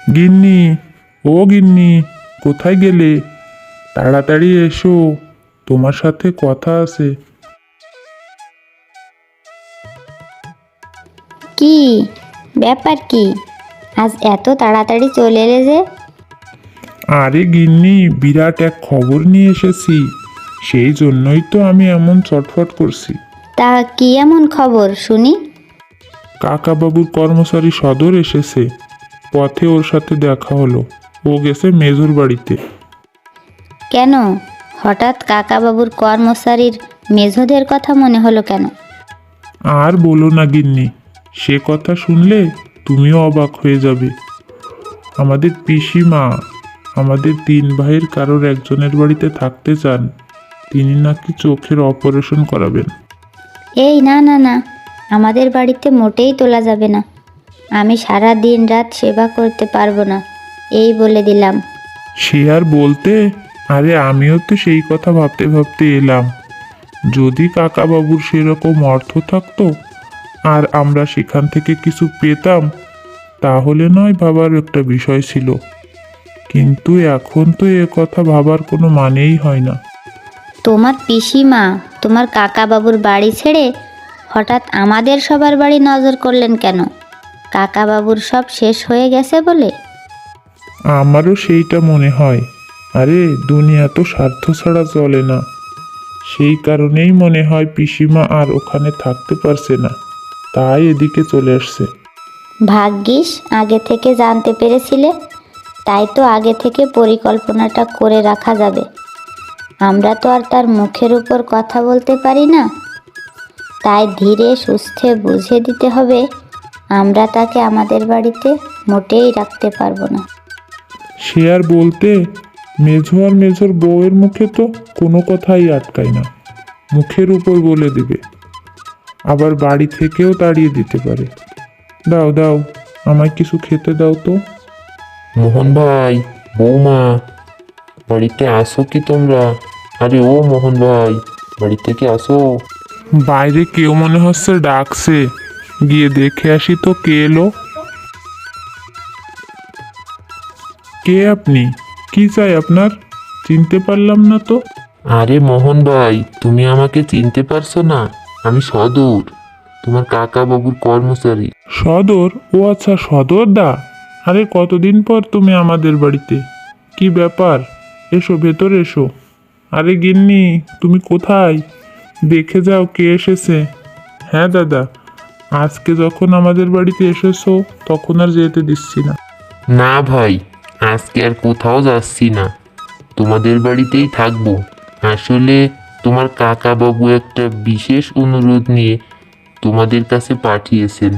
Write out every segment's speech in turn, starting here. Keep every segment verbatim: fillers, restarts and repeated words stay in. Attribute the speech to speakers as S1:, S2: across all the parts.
S1: গিন্নি, ও গিন্নি, কোথায় গেলে? তাড়াতাড়ি এসো, তোমার সাথে কথা আছে।
S2: কি ব্যাপার? কি আজ এত তাড়াতাড়ি চলে এলে যে?
S1: আরে গিন্নি, বিরাট এক খবর নিয়ে এসেছি, সেই জন্যই তো আমি এমন চটফট করছি।
S2: তা কি এমন খবর শুনি?
S1: কাকাবাবুর কর্মচারী সদর এসেছে, পথে ওর সাথে দেখা হলো। ও গেছে মেজুর বাড়িতে।
S2: কেন হঠাৎ কাকাবাবুর কর্মচারীর মেঝোদের কথা মনে হলো কেন?
S1: আর বলো না গিন্নি, সে কথা শুনলে তুমিও অবাক হয়ে যাবে। আমাদের পিসিমা আমাদের তিন ভাইয়ের কারোর একজনের বাড়িতে থাকতে চান। তিনি নাকি চোখের অপারেশন করাবেন।
S2: এই না না না, আমাদের বাড়িতে মোটেই তোলা যাবে না। আমি সারা দিন রাত সেবা করতে পারবো না, এই বলে দিলাম।
S1: সে আর বলতে, আরে আমিও তো সেই কথা ভাবতে ভাবতে এলাম। যদি কাকাবাবুর সেরকম অর্থ থাকতো আর আমরা সেখান থেকে কিছু পেতাম, তাহলে নয় ভাবার একটা বিষয় ছিল, কিন্তু এখন তো এ কথা ভাবার কোনো মানেই হয় না।
S2: তোমার পিসিমা তোমার কাকাবাবুর বাড়ি ছেড়ে হঠাৎ আমাদের সবার বাড়ি নজর করলেন কেন? কাকাবাবুর সব শেষ হয়ে গেছে বলে?
S1: আমারও সেইটা মনে হয়। আরে দুনিয়া তো স্বার্থ ছাড়া চলে না, সেই কারণেই মনে হয় পিসিমা আর ওখানে থাকতে পারছে না, তাই এদিকে চলে আসছে।
S2: ভাগ্যিস আগে থেকে জানতে পেরেছিলে, তাই তো আগে থেকে পরিকল্পনাটা করে রাখা যাবে। আমরা তো আর তার মুখের উপর কথা বলতে পারি না, তাই ধীরে সুস্থে বুঝে দিতে হবে আমরা তাকে আমাদের বাড়িতে মোটেই রাখতে পারবো না।
S1: সে আর বলতে, মেঝো আর মেঝোর বউয়ের মুখে তো কোনো কথাই আটকায় না, মুখের উপর বলে দিবে, আবার বাড়ি থেকেও তাড়িয়ে দিতে পারে। দাও দাও, আমায় কিছু খেতে দাও তো।
S3: মোহন ভাই, বৌমা, বাড়িতে আসো কি তোমরা? আরে ও মোহন ভাই, বাড়ি থেকে আসো।
S1: বাইরে কেউ মনে হচ্ছে ডাকছে, গিয়ে দেখে আসি তো কে এলো। কে আপনি? কি চাই আপনার? চিনতে পারলাম না তো।
S3: আরে মোহন ভাই, তুমি আমাকে চিনতে পারছো না? আমি সদর, তোমার কাকা বাবুর কর্মচারী।
S1: সদর? ও আচ্ছা, সদর দা। আরে কতদিন পর তুমি আমাদের বাড়িতে, কি ব্যাপার? এসো ভেতরে এসো। আরে গিন্নি, তুমি কোথায়? দেখে যাও কে এসেছে। হ্যাঁ দাদা, আজকে যখন আমাদের বাড়িতে এসেছো তখন আর যেতে দিচ্ছি না।
S3: না ভাই, আজকে আর কোথাও যাচ্ছি না, তোমাদের বাড়িতেই থাকবো। আসলে তোমার কাকা বাবু একটা বিশেষ অনুরোধ নিয়ে তোমাদের কাছে পাঠিয়েছেন।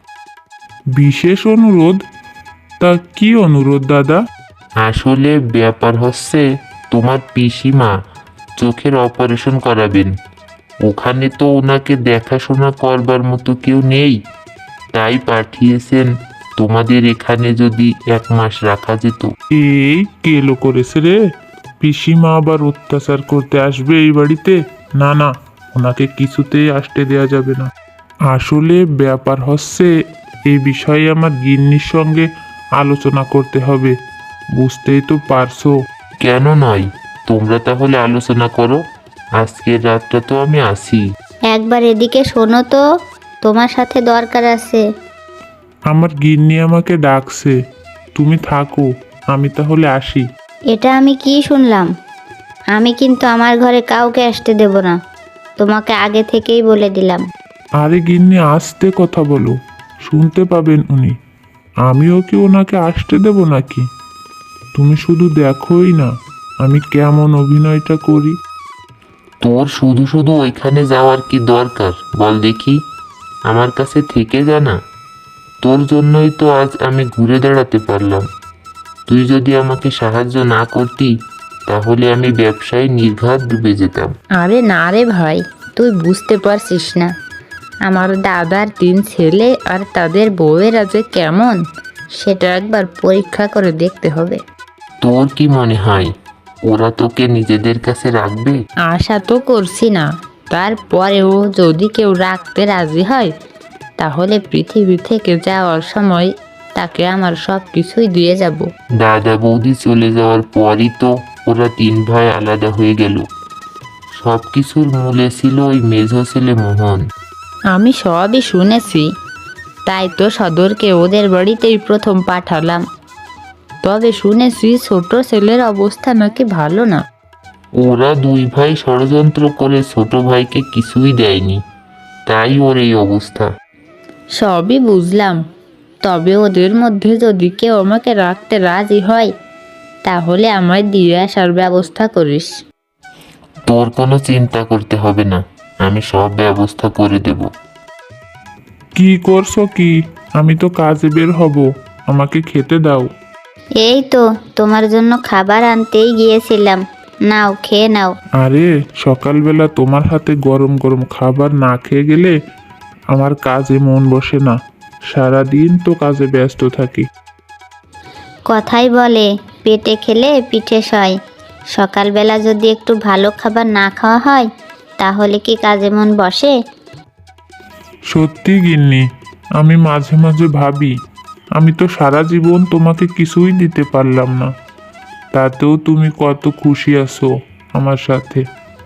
S1: বিশেষ অনুরোধ? তা কি অনুরোধ দাদা?
S3: আসলে ব্যাপার হচ্ছে, তোমার পিসিমা চোখের অপারেশন করাবেন। ওখানে তো ওনাকে দেখাশোনা করবার মতো কেউ নেই, তাই পাঠিয়েছেন তোমাদের এখানে যদি এক মাস রাখা যেত।
S1: এই কেলো করেছে রে, পিসিমা আবার অত্যাচার করতে আসবে এই বাড়িতে? না না, ওনাকে কিছুতেই আসতে দেওয়া যাবে না। আসলে ব্যাপার হচ্ছে, এই বিষয়ে আমার গিন্নির সঙ্গে আলোচনা করতে হবে, বুঝতেই তো পারছো।
S3: কেন নয়, তোমরা তাহলে আলোচনা করো, আজকের রাতটা তো আমি আসি।
S2: একবার এদিকে শোনো তো, তোমার সাথে দরকার আছে।
S1: আমার গিন্নি আমাকে ডাকছে, তুমি থাকো, আমি তাহলে আসি।
S2: এটা আমি কি শুনলাম? আমি কিন্তু আমার ঘরে কাউকে আসতে দেব না, তোমাকে আগে থেকেই বলে দিলাম।
S1: আরে গিন্নি, আস্তে কথা বলো, শুনতে পাবেন উনি। আমিও কি ওনাকে আসতে দেব নাকি? তুমি শুধু দেখোই না আমি কেমন অভিনয়টা করি।
S3: তোর শুধু শুধু ওইখানে যাওয়ার কি দরকার বল দেখি? আমার কাছে থেকে জানা, তোর জন্যই তো আজ আমি ঘুরে দাঁড়াতে পারলাম। তুই যদি আমাকে সাহায্য না করতি, তাহলে আমি ব্যবসায় নির্ঘাত ডুবে যেতাম।
S4: আরে না রে ভাই, তুই বুঝতে পারছিস না আমার দাদার তিন ছেলে আর তাদের বউয়েরা যে কেমন, সেটা একবার পরীক্ষা করে দেখতে হবে।
S3: তোর কি মনে হয় ওরা তোকে নিজেদের কাছে রাখবে?
S4: আশা তো করছি না, তারপরেও যদি কেউ রাখতে রাজি হয়, তাহলে পৃথিবী থেকে যাওয়ার সময় তাকে আমার সব কিছুই দিয়ে যাব।
S3: দাদা বৌদি চলে যাওয়ার পরই তো ওরা তিন ভাই আলাদা হয়ে গেল। সব কিছুর মূলে ছিল ওই মেঝো ছেলে মোহন।
S4: আমি সবই শুনেছি, তাই তো সদরকে ওদের বাড়িতেই প্রথম পাঠালাম। তবে শুনেছি ছোট ছেলের অবস্থা নাকি ভালো না।
S3: ওরা দুই ভাই ষড়যন্ত্র করে ছোট ভাইকে কিছুই দেয়নি, তাই ওর এই অবস্থা।
S4: সবই বুঝলাম, তবে ওদের মধ্যে যদি কেউ আমাকে রাখতে রাজি হয় তাহলে আমায় দিয়ে আসার ব্যবস্থা করিস।
S3: তোর কোনো চিন্তা করতে হবে না, আমি সব ব্যবস্থা করে দেব।
S1: কি করছো কি? আমি তো কাজে বের হব, আমাকে খেতে দাও।
S2: এই তো তোমার জন্য খাবার আনতেই গিয়েছিলাম, নাও খেয়ে নাও।
S1: আরে সকালবেলা তোমার হাতে গরম গরম খাবার না খেয়ে গেলে আমার কাজে মন বসে না। সারাদিন তো কাজে ব্যস্ত থাকি।
S2: কথাই বলে পেটে খেলে পিঠে সয়। সকালবেলা যদি একটু ভালো খাবার না খাওয়া হয় তাহলে কি কাজে মন বসে?
S1: সত্যি গিন্নি, আমি মাঝে মাঝে ভাবি আমি তো সারা জীবন তোমাকে কিছুই দিতে পারলাম না, তাতেও তুমি কত খুশি আছো আমার সাথে।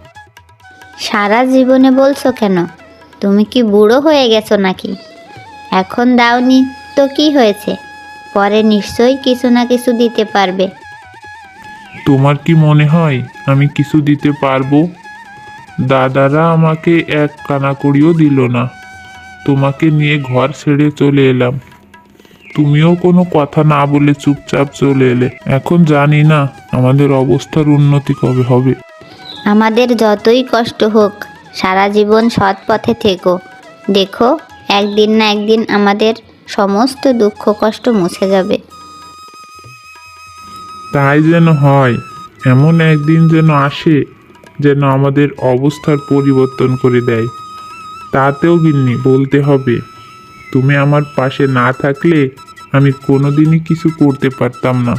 S2: সারা জীবনে বলছো কেন? তুমি কি বুড়ো হয়ে গেছো নাকি? এখন দাওনি তো কি হয়েছে, পরে নিশ্চয়ই কিছু না কিছু দিতে পারবে।
S1: তোমার কি মনে হয় আমি কিছু দিতে পারবো? দাদারা আমাকে এক কানাকড়িও দিল না, তোমাকে নিয়ে ঘর ছেড়ে চলে এলাম। তুমিও কোনো কথা না বলে চুপচাপ চলে এলে। এখন জানি না আমাদের অবস্থার উন্নতি কবে হবে।
S2: আমাদের যতই কষ্ট হোক সারা জীবন সৎ পথে থেকো, দেখো একদিন না একদিন আমাদের সমস্ত দুঃখ কষ্ট মুছে যাবে।
S1: তাই যেন হয়, এমন একদিন যেন আসে যেন আমাদের অবস্থার পরিবর্তন করে দেয়। তাতেও গিন্নি বলতে হবে, তুমি আমার পাশে না থাকলে আমি কোনোদিনই কিছু করতে পারতাম না।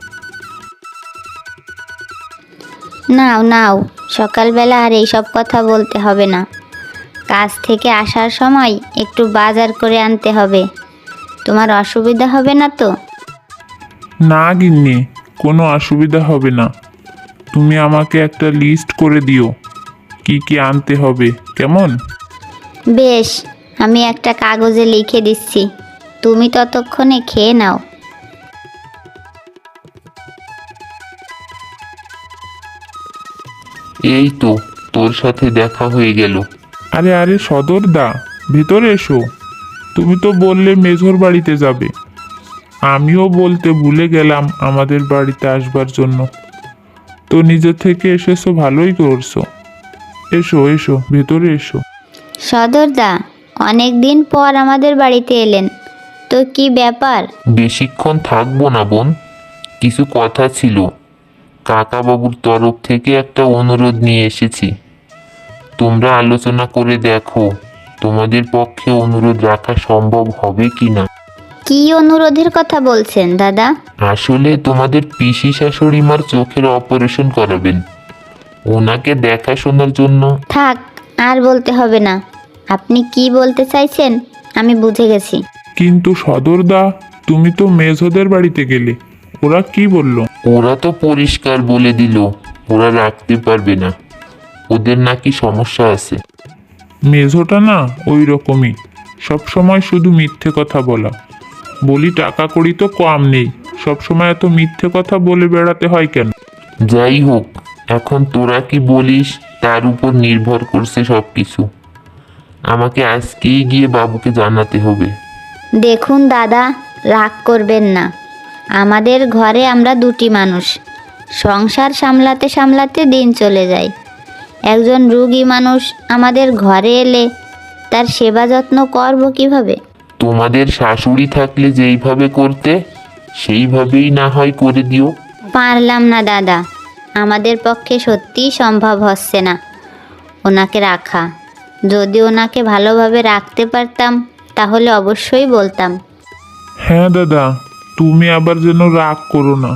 S2: নাও নাও, সকালবেলা আর এইসব কথা বলতে হবে না। কাজ থেকে আসার সময় একটু বাজার করে আনতে হবে, তোমার অসুবিধা হবে না তো?
S1: না গিন্নি, কোনো অসুবিধা হবে না। তুমি আমাকে একটা লিস্ট করে দিও কি কি আনতে হবে, কেমন?
S2: বেশ, আমি একটা কাগজে লিখে দিচ্ছি, তুমি ততক্ষণে খেয়ে নাও।
S3: এই তো তোর সাথে দেখা হয়ে গেল।
S1: আরে আরে সদরদা, ভেতরে এসো। তুমি তো বললে মেঝোর বাড়িতে যাবে, আমিও বলতে ভুলে গেলাম আমাদের বাড়িতে আসবার জন্য। তো নিজে থেকে এসেছো, ভালোই করছো। এসো এসো, ভেতরে এসো।
S2: সদরদা, অনেক দিন পর আমাদের বাড়িতে এলেন, তো কি ব্যাপার?
S3: বেশিক্ষণ থাকবো না বোন, কিছু কথা ছিল। কাকা বাবুর তরফ থেকে একটা অনুরোধ নিয়ে এসেছি, তোমরা আলোচনা করে দেখো তোমাদের পক্ষে অনুরোধ রাখা সম্ভব হবে কিনা।
S2: কি অনুরোধের কথা বলছেন দাদা?
S3: আসলে তোমাদের পিসি শাশুড়ি মার চোখের অপারেশন করাবেন, ওনাকে দেখাশোনার জন্য।
S2: থাক, আর বলতে হবে না। আপনি কি বলতে চাইছেন আমি বুঝে গেছি।
S1: কিন্তু সদরদা, তুমি তো মেঝোদের বাড়িতে গেলে, ওরা কি বললো?
S3: ওরা তো পরিষ্কার বলে দিল ওরা রাখতে পারবে না, ওদের নাকি সমস্যা আছে।
S1: মেঝোটা না ওই রকমই, সবসময় শুধু মিথ্যে কথা বলা। বলি টাকা কড়ি তো কম নেই, সবসময় এত মিথ্যে কথা বলে বেড়াতে হয় কেন?
S3: যাই হোক, এখন তোরা কি বলিস তার উপর নির্ভর করছে সব কিছু। আমাকে আজকেই গিয়ে বাবুকে জানাতে হবে।
S2: দেখুন দাদা, রাগ করবেন না। আমাদের ঘরে আমরা দুটি মানুষ, সংসার সামলাতে সামলাতে দিন চলে যায়। একজন রুগী মানুষ আমাদের ঘরে এলে তার সেবা যত্ন করব কিভাবে?
S3: তোমাদের শাশুড়ি থাকলে যেইভাবে করতে সেইভাবেই না হয় করে দিও।
S2: পারলাম না দাদা, আমাদের পক্ষে সত্যিই সম্ভব হচ্ছে না ওনাকে রাখা। যদি ওনাকে ভালোভাবে রাখতে পারতাম তাহলে অবশ্যই বলতাম।
S1: হ্যাঁ দাদা, তুমি আবার যেন রাগ করো না।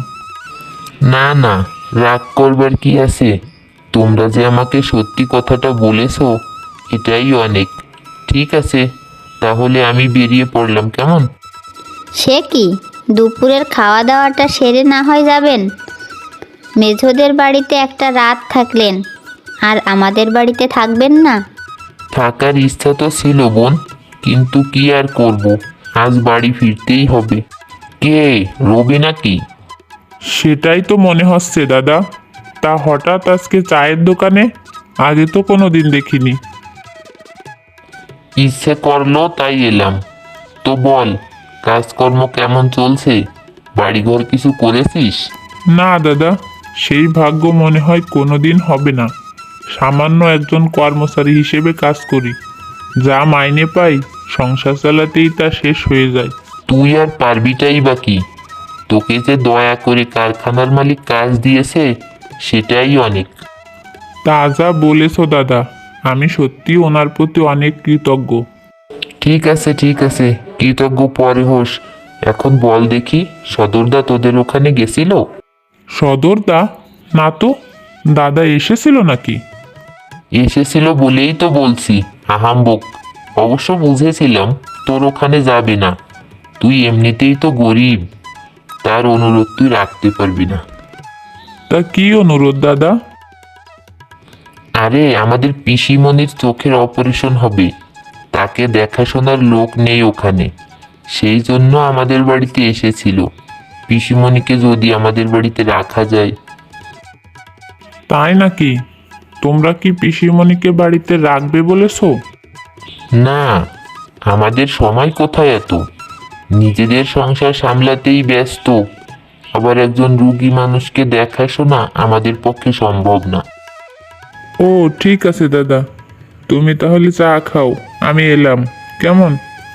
S3: না না, রাগ করবার কি আছে, তোমরা যে আমাকে সত্যি কথাটা বলেছো এটাই অনেক। ঠিক আছে, তাহলে আমি বেরিয়ে পড়লাম, কেমন?
S2: সে কি, দুপুরের খাওয়া দাওয়াটা সেরে না হয় যাবেন? মেঝোদের বাড়িতে একটা রাত থাকলেন, আর আমাদের বাড়িতে থাকবেন না?
S3: থাকার ইচ্ছা তো ছিল বোন, কিন্তু কি আর করব, আজ বাড়ি ফিরতেই হবে। কে, রবি নাকি?
S1: সেটাই তো মনে হচ্ছে দাদা। তা হঠাৎ আজকে চায়ের দোকানে? আগে তো কোনো দিন দেখিনি।
S3: ইচ্ছে করলো তাই এলাম। তো বল, কাজকর্ম কেমন চলছে? বাড়িঘর কিছু করেছিস?
S1: না দাদা, সেই ভাগ্য মনে হয় কোনো দিন হবে না। সামান্য একজন কর্মচারী হিসেবে কাজ করি, যা মাইনে পাই সংসার চালাতেই তা শেষ হয়ে যায়।
S3: তুই আর পারবিটাই বা কি? তোকে যে দয়া করে কারখানার মালিক কাজ দিয়েছে, সেটাই অনেক।
S1: তা যা বলেছো দাদা, আমি সত্যি ওনার প্রতি অনেক কৃতজ্ঞ।
S3: ঠিক আছে ঠিক আছে, কৃতজ্ঞ পরে হোস। এখন বল দেখি, সদরদা তোদের ওখানে গেছিল?
S1: সদরদা? না তো, দাদা এসেছিল নাকি?
S3: এসেছিল বলেই তো বলছি, আহাম্বক। অবশ্য বুঝেছিলাম তোর ওখানে যাবে না, তুই এমনিতেই তো গরিব, তার অনুরোধ তুই রাখতে পারবি না।
S1: তা কি অনুরোধ দাদা?
S3: আরে আমাদের পিসিমণির চোখের অপারেশন হবে, তাকে দেখাশোনার লোক নেই ওখানে, সেই জন্য আমাদের বাড়িতে এসেছিল। পিসিমণিকে যদি আমাদের বাড়িতে রাখা যায়।
S1: তাই নাকি? তোমরা কি পিসিমণিকে বাড়িতে রাখবে বলেছো?
S3: না, আমাদের সময় কোথায় এত, নিজেদের সংসার সামলাতেই ব্যস্ত, আবার একজন রুগী মানুষকে দেখাশোনা আমাদের পক্ষে সম্ভব না।
S1: ও ঠিক আছে দাদা, তুমি তাহলে চা খাও, আমি এলাম, কেমন?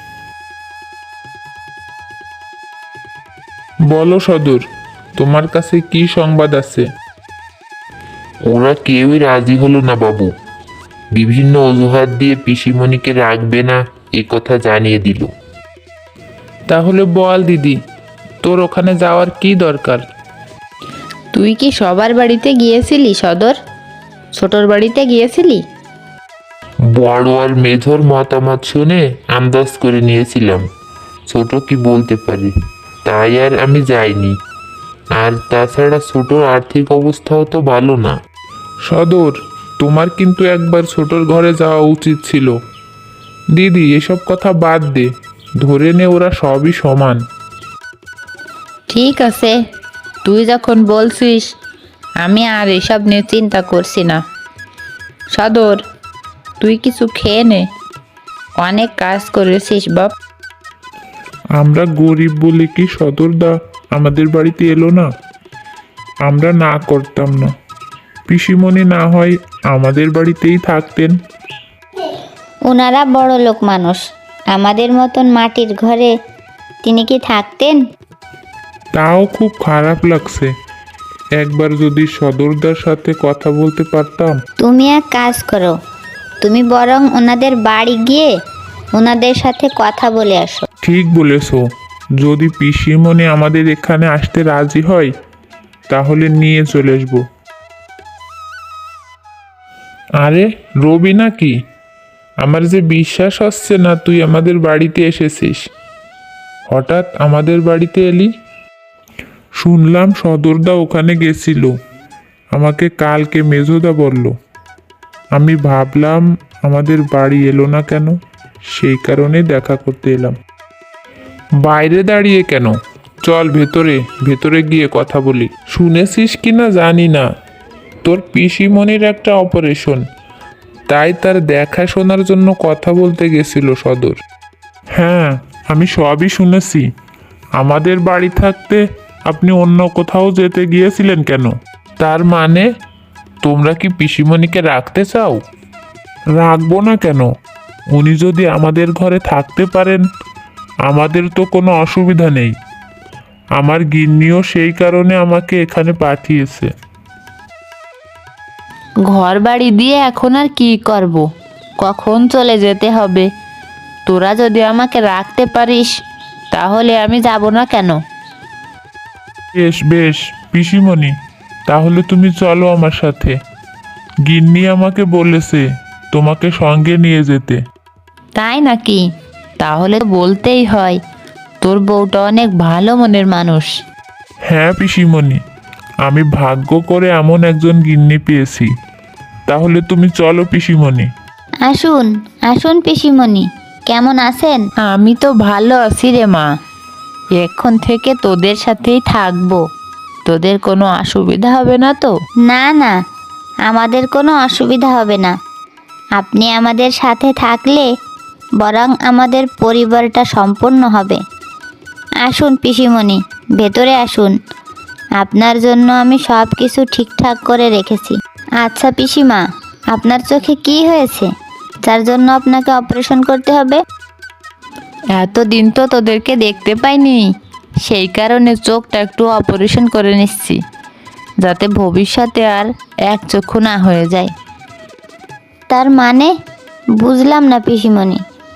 S1: বলো সদর, তোমার কাছে কি সংবাদ আছে?
S3: ওরা কেউই রাজি হলো না বাবু, বিভিন্ন অজুহাত দিয়ে পিসিমণিকে রাখবে না এ কথা জানিয়ে দিল।
S5: তাহলে বল দিদি, তোর ওখানে যাওয়ার কি দরকার?
S4: তুই কি সবার বাড়িতে গিয়েছিলি সদর? ছোটর বাড়িতে গিয়েছিলি?
S3: বড় আর মেঝোর মতামত শুনে আন্দাজ করে নিয়েছিলাম ছোট কি বলতে পারে, তাই আর আমি যাইনি। আর তাছাড়া ছোটর আর্থিক অবস্থাও তো ভালো না।
S5: সদর, তোমার কিন্তু একবার ছোটর ঘরে যাওয়া উচিত ছিল। দিদি, এসব কথা বাদ দে, ধরে নে ওরা সবই সমান।
S4: ঠিক আছে, তুই যখন বলছিস, আমি আর এসব নিয়ে চিন্তা করছি না। সদর, তুই কিছু খেয়ে নে, অনেক কাজ করেছিস বাপ।
S1: আমরা গরিব বলে কি সদরদা আমাদের বাড়িতে এলো না? আমরা না করতাম না, পিসিমণি না হয় আমাদের বাড়িতেই থাকতেন।
S2: ওনারা বড় লোক মানুষ, আমাদের মতন মাটির ঘরে তিনি কি থাকতেন?
S1: তাও খুব খারাপ লাগছে। একবার যদি সদরদার সাথে কথা বলতে পারতাম।
S2: তুমি এক কাজ করো, তুমি বরং ওনাদের বাড়ি গিয়ে ওনাদের সাথে কথা বলে আসো।
S1: ঠিক বলেছো, যদি পিসিমণি আমাদের এখানে আসতে রাজি হয় তাহলে নিয়ে চলে আসবো। আরে রবি নাকি? আমার যে বিশ্বাস হচ্ছে না তুই আমাদের বাড়িতে এসেছিস। হঠাৎ আমাদের বাড়িতে এলি? শুনলাম সদরদা ওখানে গেছিল, আমাকে কালকে মেজোদা বলল। আমি ভাবলাম আমাদের বাড়ি এলো না কেন, সেই কারণে দেখা করতে এলাম। বাইরে দাঁড়িয়ে কেন? চল ভেতরে, ভেতরে গিয়ে কথা বলি। শুনেছিস কি না জানি না, তোর পিসিমণির একটা অপারেশন, তাই তার দেখাশোনার জন্য কথা বলতে গেছিল সদর। হ্যাঁ, আমি সবই শুনেছি। আমাদের বাড়ি থাকতে আপনি অন্য কোথাও যেতে গিয়েছিলেন কেন? তার মানে তোমরা কি পিসিমণিকে রাখতে চাও? রাখবো না কেন? উনি যদি আমাদের ঘরে থাকতে পারেন আমাদের তো কোনো অসুবিধা নেই। আমার গিন্নিও সেই কারণে আমাকে এখানে পাঠিয়েছে।
S4: ঘর বাড়ি দিয়ে এখন আর কি করব? কখন চলে যেতে হবে? তোরা যদি আমাকে রাখতে পারিস তাহলে আমি যাব না কেন?
S1: বেশ বেশ পিসিমণি, তাহলে তুমি চলো আমার সাথে। গিন্নি আমাকে বলেছে তোমাকে সঙ্গে নিয়ে যেতে।
S4: তাই নাকি? তাহলে তো বলতেই হয়, তোর বউটা অনেক ভালো মনের মানুষ।
S1: হ্যাঁ পিসিমণি, আমি ভাগ্য করে এমন একজন গিন্নি পেয়েছি। তাহলে তুমি চলো পিসিমণি।
S2: আসুন আসুন পিসিমণি, কেমন আছেন?
S4: আমি তো ভালো আছি রে মা। এখন থেকে তোদের সাথেই থাকবো। তোদের কোনো অসুবিধা হবে না তো?
S2: না না, আমাদের কোনো অসুবিধা হবে না। আপনি আমাদের সাথে থাকলে বরং আমাদের পরিবারটা সম্পূর্ণ হবে। আসুন পিসিমণি, ভেতরে আসুন। আপনার জন্য আমি সব কিছু ঠিকঠাক করে রেখেছি। আচ্ছা পিসিমা, আপনার চোখে কি হয়েছে যার জন্য আপনাকে অপারেশন করতে হবে?
S4: এতদিন তো তোদেরকে দেখতে পাইনি, সেই কারণে চোখটা একটু অপারেশন করে নিচ্ছি, যাতে ভবিষ্যতে আর এক চক্ষু না হয়ে যায়।
S2: তার মানে বুঝলাম না পিসিমণি।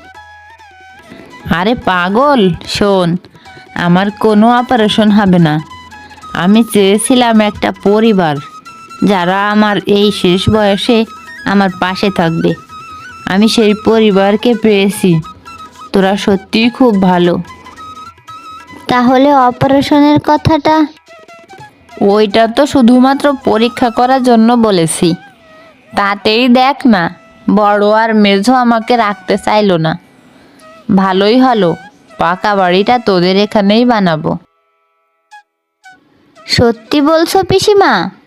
S4: আরে পাগল, শোন, আমার কোনো অপারেশন হবে না। আমি চেয়েছিলাম একটা পরিবার যারা আমার এই শেষ বয়সে আমার পাশে থাকবে। আমি সেই পরিবারকে পেয়েছি। তোরা সত্যিই খুব ভালো।
S2: তাহলে অপারেশনের কথাটা?
S4: ওইটা তো শুধুমাত্র পরীক্ষা করার জন্য বলেছি। তাতেই দেখ না, বড় আর মেঝো আমাকে রাখতে চাইলো না। ভালোই হলো, পাকা বাড়িটা তোদের এখানেই বানাবো।
S2: সত্যি বলছো পিসিমা?